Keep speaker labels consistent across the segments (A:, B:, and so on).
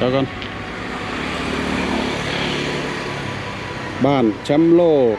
A: ดี๋ยวก่อนบ้านแชมป์โลก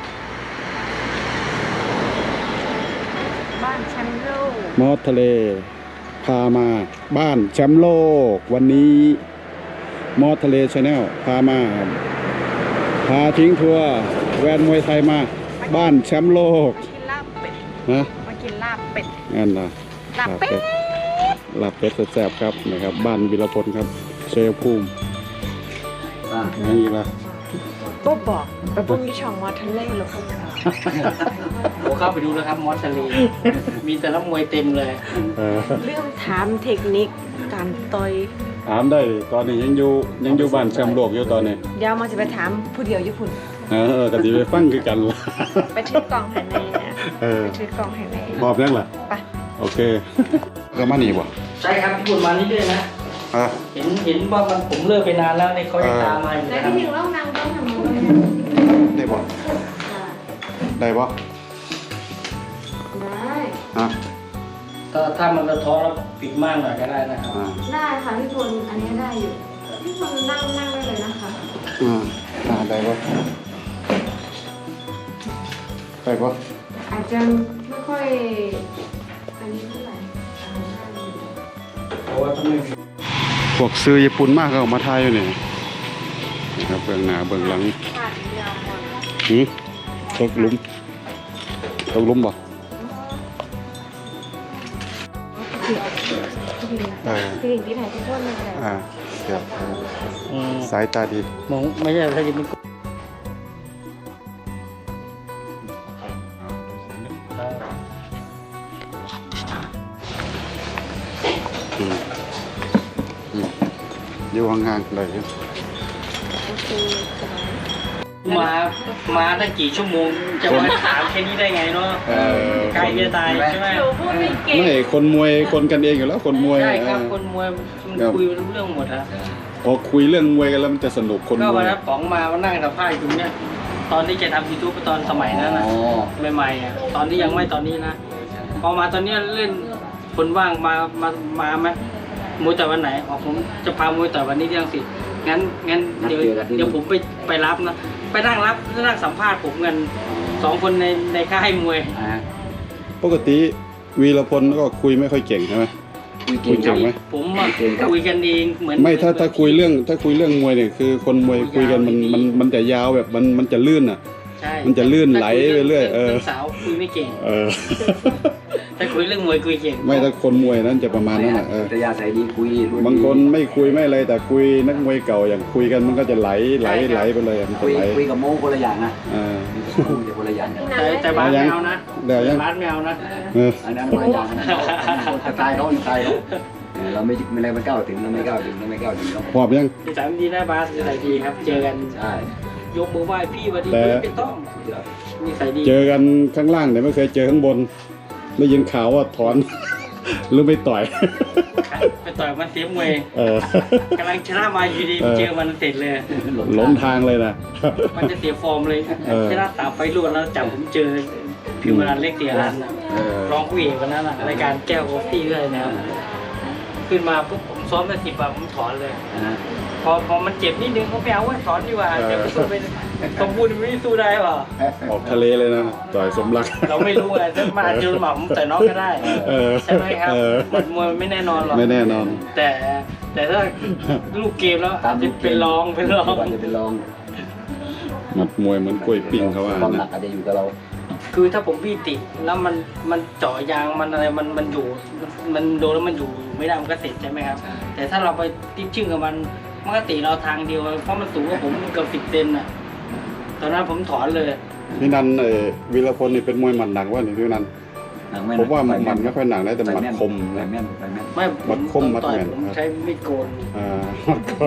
B: บ้านแชมป์โลก
A: มอสทะเลพามาบ้านแชมป์โลกวันนี้มอสทะเลชาแนลพามาพาทิ้งทัวร์แวนมวยไทยมาบ้านแชมป์โลก
B: กินลาบเป็ด
A: นะ
B: มากินลาบเป็ด
A: งั้นนะ
B: ลาบเป็ด
A: ลาบเป็ดแซ่บๆครับนะครับบ้านวิรพลครับเชฟภูมิอย่างนี้ละ
B: ปุ๊บบอกไปปุ้งที่ช่องมอทะเลหรอ
C: ผมเข้าไปดูแล้วครับมอสทะเลมีแต่นักมวยเต็มเลย
B: เรื่องถามเทคนิคการต่อย
A: ถามได้ตอนนี้ยังอยู่บ้านแชมป์โลกอยู่ตอนนี้
B: เดี๋ยวมาจะไปถามผู้เดียวญี่ปุ่น
A: กะทิไปฟังคือกันละ
B: ไปถือกล่องแห่งในนะไปถือกล่องแห่งใน
A: พร้อมยังล่ะ
B: ไป
A: โอเคก็มานี่บ่
C: ใช่ครับญี่ปุ่นมานี่ด้วยนะเห็นว่ามันผมเลิกไปนานแล้วในเขาจะตามมาอยู่นะครับ
B: ได้ที่ถึงเล่านางต้องทำอะไร
A: ได้บ่ได้บ่
B: ได้
C: ถ้ามันกระท้อแล้วปิดม่านหน่อยก็ได้นะครับ
B: ได้ค่ะพี่พลอันนี้ได้อยู่พี่พลนั่งได้เลยนะคะ
A: ได้บ่ได้บ่
B: อาจจะไม่ค่อยอันนี้เท่าไหร่
C: เพราะว่าต้องไม่
A: พวกซื้อญี่ปุ่นมากก็ออกมาถ่ายอยู่นี่นะครับเบื้องหน้าเบื้องหลังตกลุมบ่
B: พี่ลิงพี่ไหนพี่พ่นเลย
A: เดี๋ยวสายตาดี
C: มองไม่ใช่ถ้าจะเป็น
A: อยู่ห่างๆเลย
C: มาตั้งกี่ชั่วโมงจะมาถามแค่นี้ได้ไงเนาะใครจะตายใช่ไหม
A: ไม่คนมวยคนกันเองอยู่แล้วคนมวย
C: ใช่ครับคนมวยมันคุยรู้เรื่องหมดนะ
A: พอคุยเรื่องมวยกันแล้วมันจะสนุกคนมวย
C: ก็วันนั้นป๋องมานั่งสัมภาษณ์อยู่เนี่ยตอนที่จะทำยูทูบตอนสมัยนั้นนะใหม่ๆตอนที่ยังไม่ตอนนี้นะพอมาตอนนี้เล่นคนว่างมาไหมมวยแต่วันไหนผมจะพามวยแต่วันนี้ที่อังกฤษงั้นเดี๋ยวผมไปรับนะไปนั่งสัมภาษณ์ผมกัน2 คนในค่ายมวย
A: ปกติวีรพลก็คุยไม่ค่อยเก่งใช่ไหมคุยเก่งไหม
C: ผมคุยกันเองเหมือน
A: ไม่ถ้าคุยเรื่องมวยเนี่ยคือคนมวยคุยกันมันจะยาวแบบมันจะลื่นอ่ะมันจะลื่นไหลไปเรื่อย
C: สาวคุยไม่เก่งถ้าคุยเรื่องมวยคุยเก่ง
A: ไม่ถ้าคนมวยนั้นจะประมาณนั้น
D: แต่ยาใส่ดีคุย
A: บางคนไม่คุยไม่อะไรแต่คุยนักมวยเก่าอย่างคุยกันมันก็จะไหลไปเลยมันจะไหล
D: คุยกับโม้คนละอย่างนะคุยคนละอย่าง
C: แต่บ้านแมวนะบ้านแมวนะ
D: อันนั้นคนละอย่างสไตล์เขาเราไม่ได้ไม่ก้าวถึงเราไม่ก้าวถึง
A: พร้อมยัง
C: ที่3ดีหน้าบาสใส่ดีครับเจอกัน
D: ใช่
C: ยกมือไหว้พี่วันดีไม่ต้องมีใส่ดี
A: เจอกันข้างล่างแต่ไม่เคยเจอข้างบนได้ยินข่าวว่าถอนหรือไม่ต่อย
C: ไปต่อยมันเสียมวยกำลังชนะมาอยู่ดีเจอมันเสร็จเลย
A: ล้มทางเลยนะ
C: มันจะเสียฟอร์มเลยชนะ3 ไฟล์รวดแล้วจับผมเจอพิมพ์รันเล็กเตียรันร้องผู้เอกวันนั้นรายการแก้วกาแฟเลยนะครับขึ้นมาปุ๊บผมซ้อมได้10 วันผมถอนเลยพอมันเจ็บนิดนึงเขาไปเอาไว้ถอนดีกว่าเดี๋ยวสู้ไปสมบูรณ์ไม่สู้ได้ป่ะ
A: ออกทะเลเลยนะต่อยสมรัก
C: เราไม่รู้ไงถ้ามาเจอหม่ำแต่น้องก็ได้ใช่ไหมครับมันมวยไม่แน่นอนหรอก
A: ไม่แน่นอน
C: แต่ถ้าลูกเกมแล้วจะเป็นรอง
D: จะเป็นรอง
A: หมัดมวยเหมือนกล้วยปิ้งเขาว่า
D: ความหนักอาจจะอยู่กับเรา
C: คือถ้าผมพี่ติดแล้วมันเจาะยางมันอะไรมันอยู่มันโดนแล้วมันอยู่ไม่ได้มันก็เสร็จใช่ไหมครับแต่ถ้าเราไปติ๊กชึ่งกับมันก็ตีเราทางเดียวเพราะมันสูงกว่าผมเกือบ10 เซนน่ะตอนนั้นผมถอนเลย
A: พี่นันวีรพลนี่เป็นมวยหมัดหนักว่านี่พี่นันผมว่ามันไม่ค่อยหนักนะแต่หมัดคมนะ
C: ไม่หมัดคมหมัดแม่นผมใช้ไม่โกน
A: หมัดคม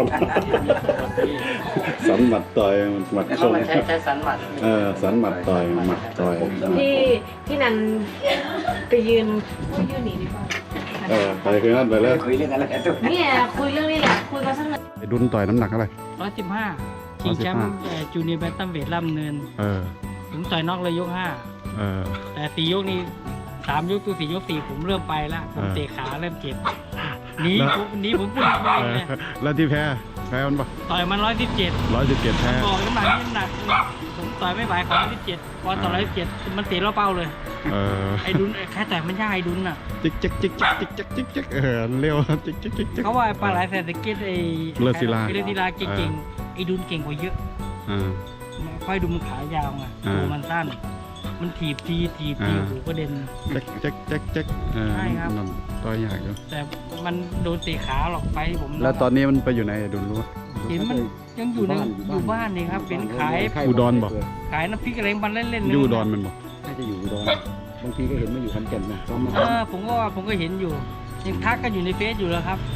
A: สันหมัดต่อยหมัดคม
C: ใช้สันหมัด
A: สันหมัดต่อยหมัดต่อย
B: พี่นันไปยืนหนีดีกว่า
A: ไปคือนั่นไปเลย
D: คุยเรื่องอะไร
B: เนี่ยคุยเรื่องนี้แหละคุยมาสักหน่อย
A: ดุนต่อยน้ำหนักอะไร
C: 115ชิงแชมป์จูเนียร์แบนตัมเวทล่ำเนินผมต่อยนอกเลยยก5แต่4 ยกนี้3 ยกตัว4 ยก 4ผมเริ่มไปแล้วผมเตะขาเริ่มเจ็บหนีผมพูดจริงเลย
A: แล้วที่แพ้มันปะ
C: ต่อยมัน117
A: 117แพ้
C: บอกน้ำหนักนี่หนักผมต่อยไม่ไหวขอ117พอต่อ117มันเตะเราเป้าเลย ไอ้ดุนแค่แต่มันยากไอ้ดุนอ่ะ
A: จิกเร็วจิก
C: เขาว่าปลาไหลแสนตะเกียบไอ้
A: เลือดศิลา
C: เลือดศิลาเก่งๆไอ้ดุนเก่งกว่าเยอะ ค่อยดูมันขายาวไงตัวมันสั้น มันถีบทีหูกระเด็น
A: จัก
C: ใช่ครับ
A: นั่นต่อยยากอยู่
C: แต่มันโดนเตะขาหรอกไปผม
A: แล้วตอนนี้มันไปอยู่ไหนดุนรู้ปะ
C: เห็นมันยังอยู่ในอยู่บ้านนี่ครับเป็นขาย
A: อุดรบอก
C: ขายน้ำพริกอะไรมันเล่นๆ
A: อยู่อุดรมันบอก
D: น่าจะอยู่อุดรบางทีก็เห็นมาอยู่ขอนแก่นนะซ้อมมา
C: ผมก็เห็นอยู่ยังทักกันอยู่ในเฟซอยู่แล้วครับ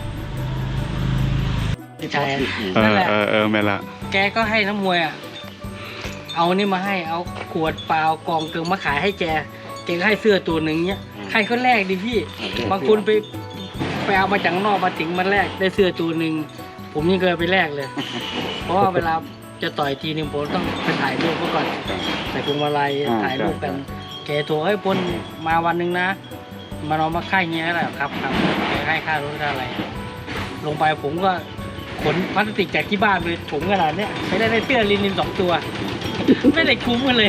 C: ใช่นั่นแหละ
A: แม่ละ
C: แกก็ให้น้ำมวยอ่ะเอานี่มาให้เอาขวดเปล่ากล่องเกลือมาขายให้แกก็ให้เสื้อตัวหนึ่งเนี้ยใครเขาแลกดิพี่บางคนไปเอามาจากนอกมาถึงมันแลกได้เสื้อตัวหนึ่งผมยังเคยไปแลกเลย เพราะว่าเวลาจะต่อยทีนึงผมต้องไปถ่ายรูปเขาก่อนใส่พวงมาลัยถ่ายรูปกันแกโทรให้พลมาวันหนึ่งนะมานอนมาค่ายเงี้ยแหละครับแกให้ค่ารถค่าอะไร ลงไปผมก็ขนพลาสติกจากที่บ้านไปถุงขนาดเนี้ยไม่ได้เสื้อลินิน2 ตัว ไม่ได้คุ้มกันเลย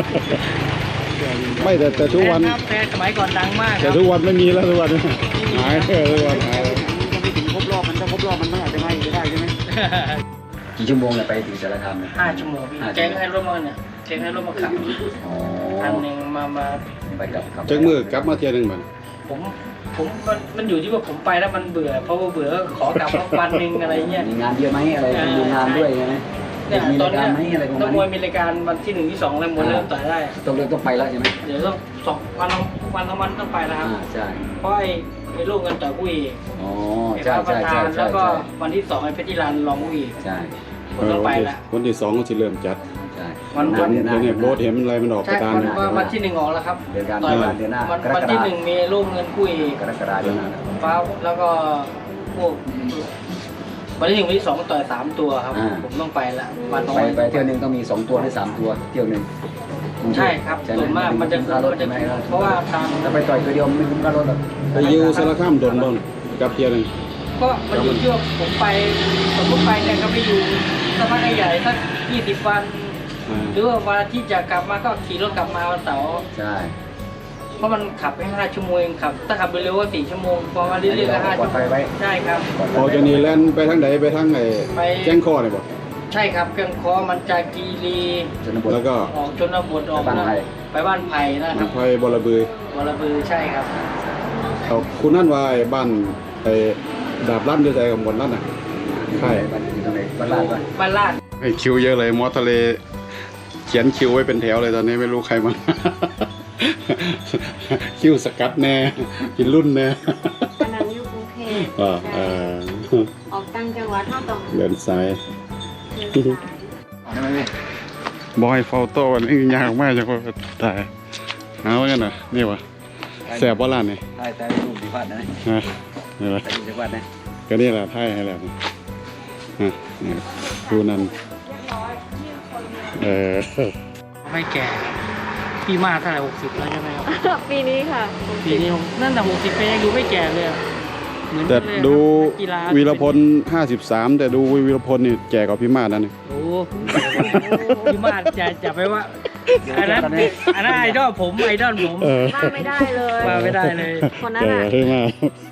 A: ไม่แต่ทุกวัน
C: ครับแต่สมัยก่อนดังมากค
A: แต่
C: รับ
A: ทุกวันไม่มีแล้วทุกวันหายทุกวันหาย
D: ยังไม่ถึงครบรอบมันถ้าครบรอบมันอาจจะไม่ได้ใช่ไหมกี่ชั่วโมงเนี่ยไปถึงสารคามเนี่ย
C: 5 ชั่วโมงพี่แกก็ให้รถมาเนี่ยแกก็ให้รถมาขับ
D: อ๋อ
C: อันหนึ่งมา
D: ไปกลับครับ
A: จักมือกลับมาเที่ยวหนึงมัน
C: ผมมันอยู่ที่ว่าผมไปแล้วมันเบื่อเพราะว่าเบื่อก็ขอกลับมาวันหนึ่งอะไรเงี้ย
D: มีงานเยอะไหมอะไรดูงานด้วยใช่ไหม
C: เนี่ย
D: มี
C: ตอ
D: ราน ย
C: เนี้
D: การไหมอะไรประ
C: นั
D: มาก ณ
C: มวย
D: นี้
C: มีรายการวันที่1 ที่ 2แล้วมวยเริ่มต่อยได้
D: ต้องไปแล้วใช่ไหม
C: เดี๋ยวต้อง2 วันต้องไปแล้วครับ
D: ใช่
C: เพราะไอ้ลูกกันต่อยผู้เอก
D: อ๋อ
C: ไอ้
D: ใช่
C: พระประธาน
D: ใช่
C: แล้วก็วันที่ 2ไอ้เพชรจิรันรองผู้เอก
D: ใช่
C: ผมต้องไปแล้ว
A: วันที่2ก็จะเริ่มจัด
D: ใช่
C: วัน
A: เห็นโบสเห็นอะไรมันออก
C: ใช่
A: ประธาน
C: วันที่ 1ออกแล้วครับ
D: เดือนการ
C: ต่อย
D: เดือนหน้า
C: วันที่ 1 มีลูกเงินผู้เอก
D: กรกฎาคมเดือนหน้า
C: ฟ้าแล้วก็พวกวันที่ 1 วันที่ 2ต่อย3 ตัวครับผมต้องไปละวันน้อย
D: ไปเที่ยวหนึงต้องมี2 ตัวหรือ3 ตัวเที่ยวหนึง
C: ใช่ครับส่วนมากมันจะ
D: ค่ารถใช่ไหม
C: เพราะว่าทาง
D: ถ้าไปต่อยตัวเดียวไม่คุ้มค่ารถหรอก
A: ไปอยูสารคามโดนบ้างกับเที่ยวหนึง
C: ก็มันอยู่ที่ว่าผมไปสมมติไปเนี่ยก็ไปอยู่สักพักใหญ่ๆสัก20 วัน หรือว่าวันที่จะกลับมาก็ขี่รถกลับมาวันเสาร์
D: ใช่
C: เพราะมันขับไป5 ชั่วโมงเองขับถ้าขับไปเร็วก็4 ชั่วโมงพอมาเรื่อยๆก็5 ชั่วโมงใช่ครับ
A: ออกจากนี้แล่นไปทางไหนไปทางไหน
C: ไป
A: แจ้งข้อเนี่ยบอก
C: ใช่ครับเครื่องคอมันจากกีรี
D: ชนบท
A: แล้วก็
C: ออกชนบทออก
D: ไปบ้านไผ่
C: ไปบ้านไผ่นะค
A: มั
C: รั
A: น
C: บ
A: ไฟบอระบือ
C: วรบือใช่ครับ
A: เอาคุณนั่นวายบ้านไอ้ดาบลั่นด้วยใจกับหมดลั่นอ่ะใช่
D: บ้านอยู่ตรงไหนบ้านลาดป่ะ
C: บ้านลาด
A: ไอ้คิวเยอะเลยมอทะเลเขียนคิวไว้เป็นแถวเลยตอนนี้ไม่รู้ใครมา คิวสกัดแน่กินรุ่นแน่
B: อันนั้นอยู่กรุงเทพ ออกต่างจังหวัดเท่าต้อง
A: เดินสาย
B: เดินสาย
D: ได้ไหมพี่
A: บอยเฝ้าโต้วันนี้ยากมากจังว่าตายเอากันนะนี่วะแสบว่าร้านนี่
D: ได้แต่รูปดีพลาดนะ
A: นะนี่วะ
D: แต่รูปดีพลาดนะ
A: ก็นี่แหละไพ่ให้แล้วนี่ดูนั่นเ
C: ไม่แก่พี่มากเท่าไหร่60แล้วใช่ไหมครับ
B: ปีนี้ค่ะ
C: ปีนี้ผมนั่นแต่60ปียังดูไม่แก่เลยอะเหมือน
A: แต่
C: กันเลย
A: ดู
C: นักกีฬา
A: วีรพล53แต่ดูวีรพลนี่แก่กว่าพี่มาดนั่นนี่
C: โอ้พี่มาดจะไปว่าอันนั้นไอดอลผมไอดอลผม
B: ว่าไม่ได้เลย
C: มาไม่ได้เลย
B: คนนั้น
A: แก่
B: อ่ะ
A: พี่มาด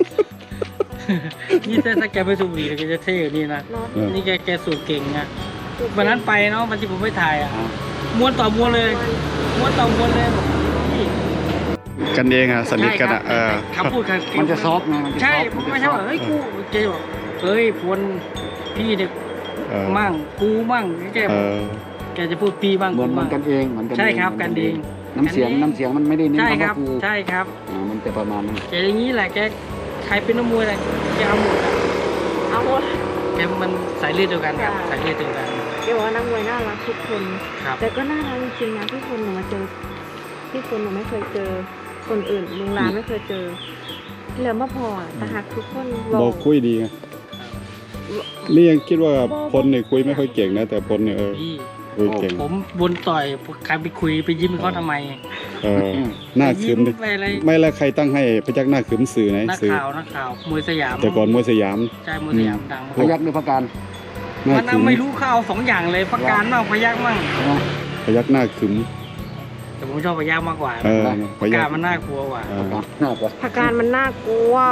C: นี่ถ้าแกไปสูบบุหรี่แกจะเท่กว่านี่นะ
B: เนาะ
A: เออ
C: นี่แกสูบเก่งนะวันนั้นไปเนาะวันที่ผมไปถ่ายอ่ะม้วนต่อม้วนเลยม้วนต่อม้วนเลยบอกพี่
A: กันเองอะสนิทกันอะ
C: ใช่ครับคำพูด
D: มันจะซอฟต์ไงมันจะซ
C: ใช่
D: อฟต์
C: ผมไม่ใช่ว่าเฮ้ยกูเจบอกเฮ้ยพลพี่เนี่ย
A: เออ
C: มั่งกูมั่งแก
A: เออ
C: แกจะพูดพี่บ้าง
D: เหมือน
C: กู
D: มั
C: บ้าน ง
D: กันเองเหมือนกัน
C: ใช่ครับกันเอง
D: น้ำเสียงมันไม่ได้เน้น
C: ใช่ค
D: คำ
C: รั
D: ว่า
C: บ
D: กู
C: ใช่ครับ
D: มันจะประมาณนั้น
C: แกอย่างนี้แหละแกใครเป็นนักมวยอะไรแกเอาหมดอะ
B: เอาหมด
C: แกมันสายเลือดเดียวกันครับ
B: ค่ะ
C: สายเลือดเดียวกัน
B: เดี๋ยวว่านักมวยน่ารักทุกคน
C: ครับ
B: แต่ก็น่ารักจริงๆนะพี่คนหนูมาเจอพี่คนหนูไม่เคยเจอคนอื่นลุงลานไม่เคยเจอเหลือมาพอแต่หักทุกคน
A: บอกคุยดีไงนี่ยังคิดว่าพลเนี่ยคุยไม่ค่อยเก่งนะแต่พลเนี่ย
C: พี่
A: คุยเก่ง
C: ผมบนต่อยใครไปคุยไปยิ้มเขาทำไม
A: หน้าขึมดิ
C: ไปอะไร
A: ไม่แล้วใครตั้งให้พยักหน้าขึมสื่อไหน
C: นัก
A: สื่อ
C: ข่าวมวยสยาม
A: แต่ก่อนมวยสยาม
C: ใช่มวยสยามดัง
D: พยักหรือพการ
A: หน้า
C: มัน
A: ขึม
C: ไม่รู้เขาเอา2อย่างเลยประการมั่งพยักมั่ง
D: ใช่ไหม
A: พยักหน้าขึม
C: แต่ผมชอบพยักมากกว่า
A: เออ
C: ป
A: พ
C: ระ
A: ยั
C: กาก รมันน่ากลัวกว่า
A: เออ
D: หน้ากว่า
B: ผักการมันน่ากลัว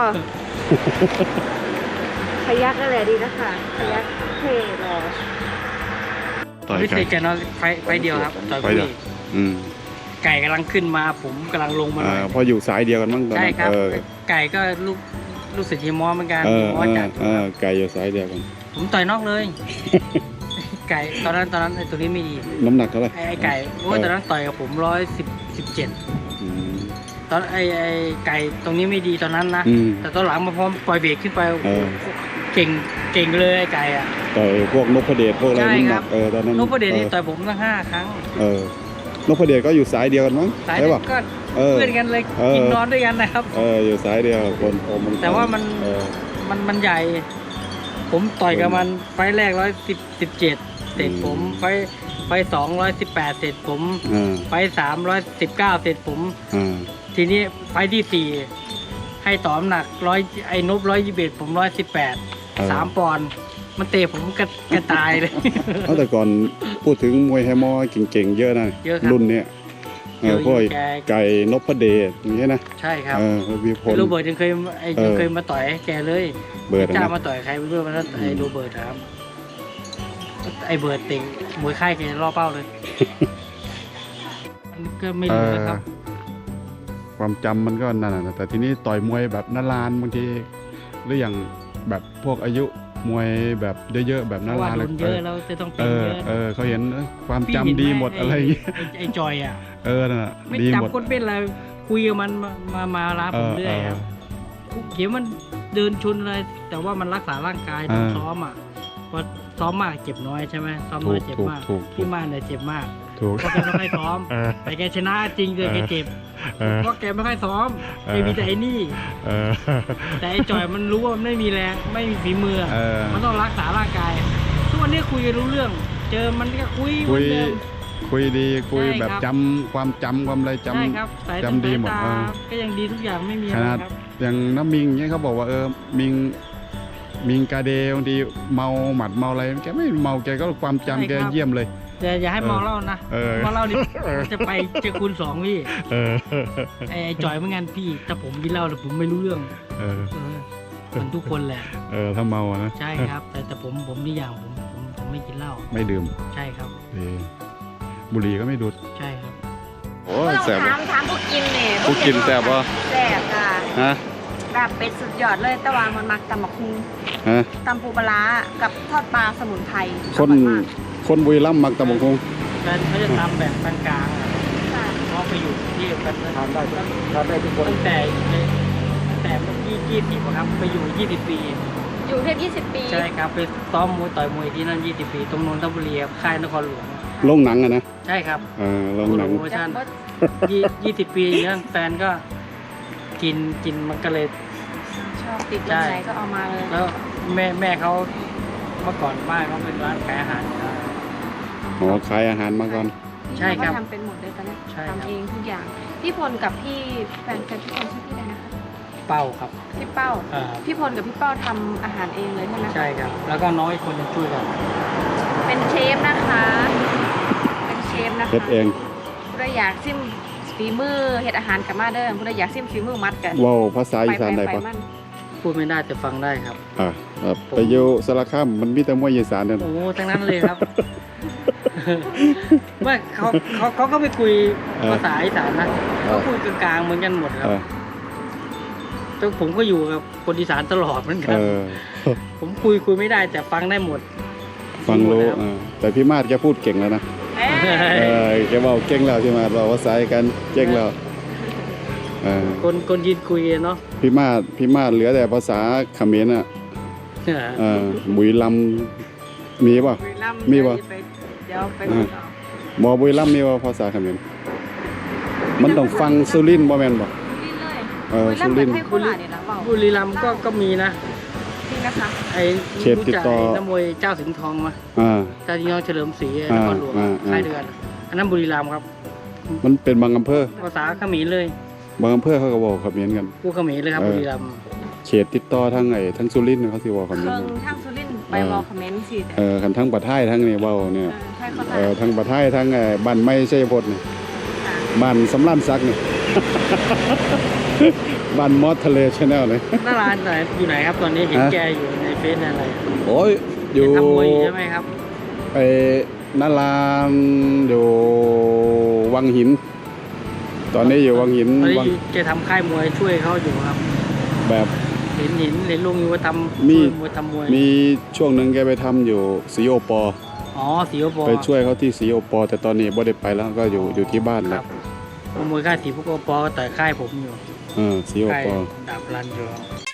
B: พยักอะไรดีนะคะพยักเท่หรอ
A: ต่อย
C: ไม่
A: ไก่
C: เคยกันเนาะไฟเดียวครับต่อย
A: ไฟ
C: คุ
A: เดียว
C: ย
A: อืม
C: ไก่กำลังขึ้นมาผมกำลังลงมาหน่อย
A: พออยู่สายเดียวกันมั้งตอน
C: ใช่
A: นั้น
C: ครับ
A: เออ
C: ไก่ก็ลูกศิษย์เฮียมอเหมือนกัน
A: เอ
C: เฮี
A: อย
C: มอจัด
A: ไก่อยู่สายเดียวกัน
C: ผมต่อยนอกเลย ไก่ตอนนั้นไอ้ตัวนี้ไม่ดี
A: น้ำหนักเท่าไหร่
C: ไอ้ไก่โอ้ยตอนนั้นต่อยกับผม117
A: อืม
C: ตอนไอ้ไก่ตรงนี้ไม่ดีตอนนั้นนะ
A: อืม
C: แต่ตอนหลังมาพอปล่อยเบรกขึ้นไป
A: เออ
C: เก่งเลยไอ้ไก่อ่ะ
A: ต่อยพวกนพเดชพวกอะไร
C: ใช่
A: น้ำห
C: ครั
A: นั
C: บ
A: กตอนนั้น
C: นพเดชนี่
A: ออ
C: ต่อยผมตั้ง5 ครั้ง
A: นพเดชก็อยู่สายเดียวกันมั้ง
C: สาย
A: ใช่
C: เด็
A: ป่ะ
C: กก็
A: เออ
C: เพื่อนกันเลย
A: เออ
C: กินนอนด้วยกันนะครับ
A: อยู่สายเดียวคนโอม
C: แต่ว่ามัน
A: เออ
C: มันใหญ่ ผมต่อยกับมันไฟล์แรก117เสร็จผมไฟล์218เสร็จผม
A: อ่า
C: ไฟล์319เสร็จผม
A: อ่า
C: ทีนี้ไฟล์ที่4ให้ต่อน้ำหนักไอ้นบ121ผม118 3 ปอนด์มันเตะผมกระตายเลย
A: เอาแต่ก่อนพูดถึงมวยไฮมอเก่งๆเยอะนะ
C: เยอะครับ
A: รุ่นเนี้ย
C: เยอะ
A: พวก
C: แก
A: ไก่นพเดชอย่างเงี้ยนะ
C: ใช่ครับ
A: วีพล
C: โรเบิร์ตยังเคยมาต่อยให้แกเลย
A: เบิร์ด
C: จ้า
A: นะ
C: มาต่อยใครไม่รู้มันก็ไอ้โรเบิร์ตครับไอ้เบิร์ตเต็งมวยค่ายแกล่อเป้าเลย มันก็ไม่รู้นะครับ
A: ความจำมันก็นั่นนะแต่ทีนี้ต่อยมวยแบบนานๆบางทีหรืออย่างแบบพวกอายุมวยแบบเยอะๆแบบ
C: เพ
A: นา
C: ราะว่าน
A: ๆ
C: โด
A: เลย
C: นเยอะแล้วจะต้องเป็นเยอะ
A: เขาเห็นความ
C: พี่
A: จำ
C: เห็นไห
A: ดีหมดอะไรอย่างเงี้ย
C: ไอ้จอยอ่ะ
A: นั่นน่ะ
C: ไม่
A: ดีหมด
C: จำคนเป็นอะไรคุยกับมันมาลาผมเรื่อยครับเขียวมันเดินชนอะไรแต่ว่ามันรักษาร่างกายต้องซ้อมอ่ะเพราะซ้อมมากเจ็บน้อยใช่ไหมซ้อมน้อยเจ็บมากพี่มากเนี่ยเจ็บมาก
A: ถูก
C: เพราะแกไม่ค่อยซ้อม แต่แกชนะจริงเลยแกเจ็บ เพราะแกไม่ค่อยซ้อมแกมีแต่ไอ้นี่ แต่ไอ้จอยมันรู้ว่ามันไม่มีแรงไม่มีฝีมือ มันต้องรักษาร่างกาย ทุกวันนี้คุยกันรู้เรื่อง เจอมันก็คุยเหมือนเดิม
A: คุยดีคุย
C: ใช่ครับ
A: แบบจำความอะไรจ
C: ใช่ครับสาย
A: ำจำดีหมด
C: สายตาก็ยังดีทุกอย่างไม่มี
A: ข
C: อะไร
A: นาด
C: ครับ
A: อย่างน้ำมิงเนี่ยเขาบอกว่ามิงกาเดบางทีเมาหมัดเมาอะไรแกไม่เมาแกก็ความจำแกเยี่ยมเลย
C: อย่าให้เมาเหล้านะ
A: เออ
C: เมาเหล้านี่จะไปเจอคูณ2พี่
A: เออ
C: ไอ้จอยเหมือนกันพี่ถ้าผมกินเหล้าแต่ผมไม่รู้เรื่อง
A: เออ
C: มันทุกคนแหละ
A: ถ้าเมาอะนะ
C: ใช่ครับ แต่ผมนี่อย่างผมไม่กินเหล้า
A: ไม่ดื่ม
C: ใช่ครับ
A: บุหรี่ก็ไม่ดูด
C: ใช่ครับ
A: โอ้
B: ก็ต้อง
A: แสบ
B: ถามผู้กินเนี่ย
A: ผู้กินแซ่บปะ
B: แซ่บค่ะ
A: ฮะ
B: แบบเป็ดสุดยอดเลยแต่ว่ามันมักตำบักหุ่ง
A: ฮะ
B: ตำปูปลาร้ากับทอดปลาสมุนไพร
A: คน
B: อร่อยมาก
A: คนบุรีรัมย์มักตำบักหุ่ง
C: แฟนเขาจะทำแบบกลางๆอะ
B: ค่ะ
C: เพราะไปอยู่ที่กัน
D: ทานได้ทุกคน
C: ตั้งแต่เมื่อกี้20อะครับไปอยู่20 ปี
B: อยู่เทพ20 ปี
C: ใช่ครับไปซ้อมมวยต่อยมวยที่นั่น20 ปีตรงนนทบุรีครับค่ายนครหลวง
A: ลงหนังอะนะ
C: ใช่ครับ
A: ลงหนัง
C: โปรโมชั่น20 ปีอย่างนั้นแฟนก็กินมันก็เลย
B: ชอบติดยังไงก็เอามาเลย
C: แล้วแม่เขาเมื่อก่อนบ้านเขาเป็นร้านขายอาหารครับ
A: อ๋อขายอาหารมาก่อน
C: ใช่ครับ
B: พี่พลก็ทำเป็นหมดเลยตอนนี้
C: ใช่ครับ
B: ทำเองทุกอย่างพี่พลกับพี่แฟนพี่พลชื่อพี่อะไรนะคะ
C: เป้าครับ
B: พี่เป้า
C: อ่า
B: พี่พลกับพี่เป้าทำอาหารเองเลยใช่ไหมคะ
C: ใช่ครับ แล้วก็น้อยคนจะช่วยกัน
B: เป็นเชฟนะคะเป็นเชฟนะคะ
A: เฮ็ดเอง
B: ผู้ใดอยากซิมฝีมือเฮ็ดอาหารกับมาเด้อผู้ใดอยากซิมฝีมือมัดกัน
A: เว้าภาษาอีสานได้ปะ
B: มัน
C: พูดไม่ได้แต่ฟังได้ครับ
A: ไปอยู่สารคามมันมีแต่มวยอีสานนั่น
C: โอ้ทั้งนั้นเลยครับ ว่าเขาก็ไม่คุยภาษาอีสานนะเขาคุยกลางๆเหมือนกันหมดครับแต่ผมก็อยู่กับคนอีสานตลอดเหมือนกัน ผมคุยไม่ได้แต่ฟังได้หมด
A: ฟังรู้แต่พี่มาดแกพูดเก่งแล้วนะ แกบอกเก่งแล้วพี่มาดบอกภาษากันเก่งแล้ว
C: คนยืนคุยเนาะ
A: พี่มาดเหลือแต่ภาษาเขมรอ่ะบุรีรัมย์มีป่ะ มีปะ
B: เดี๋ยวไป
A: หมอบุรีรัมย์มีป่ะภาษาเขมรมันต้องฟังสุรินทร์บ่แม่นบ่
B: สุรินทร์เลยบุรีรัมย์เหมือนให้โคราชเนี่ยนะเปล่า
C: บุรีรัมย์ก็มีนะ
B: จริงนะคะ
C: ไอ้
A: เขตติดต่อ
C: รู้จักไนักมวยเจ้าสิงห์ทองมา เจ้าสิงห์ทองเฉลิมศรีนครหลวงค่ายเดือนอันนั้นบุรีรัมย์ครับ
A: มันเป็นบางอำเภอ
C: ภาษาเขมรเลย
A: บางอำเภอเขาก็บอกคำเขมนกัน
C: พูดเขมรเลยครับบุรีรัมย์
A: เขตติดต่อทั้งทั้งสุรินทร์เขาสิบอกคำ
B: เค
A: เขม
B: รื่
A: น
B: อง
A: กัน
B: ทางสุรินทร์ไปวอลคอมเมนต์สิ
A: คันทั้งปะไทยทั้งนี่เว้าเนี่ย
B: ใช่เขาถ่าย
A: ทั้งปะไทยทั้งบ้านไม้ชัยพจน์นี่บ้านสำรานซักนี่ บ้านมอสทะเลชาแนลนี่
C: หน้าร้านไหนอยู่ไหนครับตอนนี้เห็นแกอยู่ในเฟซอะไร
A: โอ้ยอยู่
C: ทำมวยอยู่ใช่ไหมครับ
A: ไปนาลานอยู่วังหิน ตอนนี้อยู่วังหิน
C: ตอน
A: วัง
C: นี้แกทำค่ายมวยช่วยเขาอยู่ครับ
A: แบบ
C: เห็นลุงอยู่ว่าทำ
A: มี
C: มวยทำมวย
A: มีช่วงหนึ่งแกไปทำอยู่สีโอปอ
C: อ๋อสีโอปอ
A: ไปช่วยเขาที่สีโอปอแต่ตอนนี้บ่ได้ไปแล้วก็อยู่ที่บ้าน
C: ค
A: แล้
C: รั
A: ว
C: บมวยค่ายสีพวกโอปอก็ต่อยค่ายผมอยู่
A: สีโอ
C: ค่าย
A: ปอ
C: ดาบรันอยู่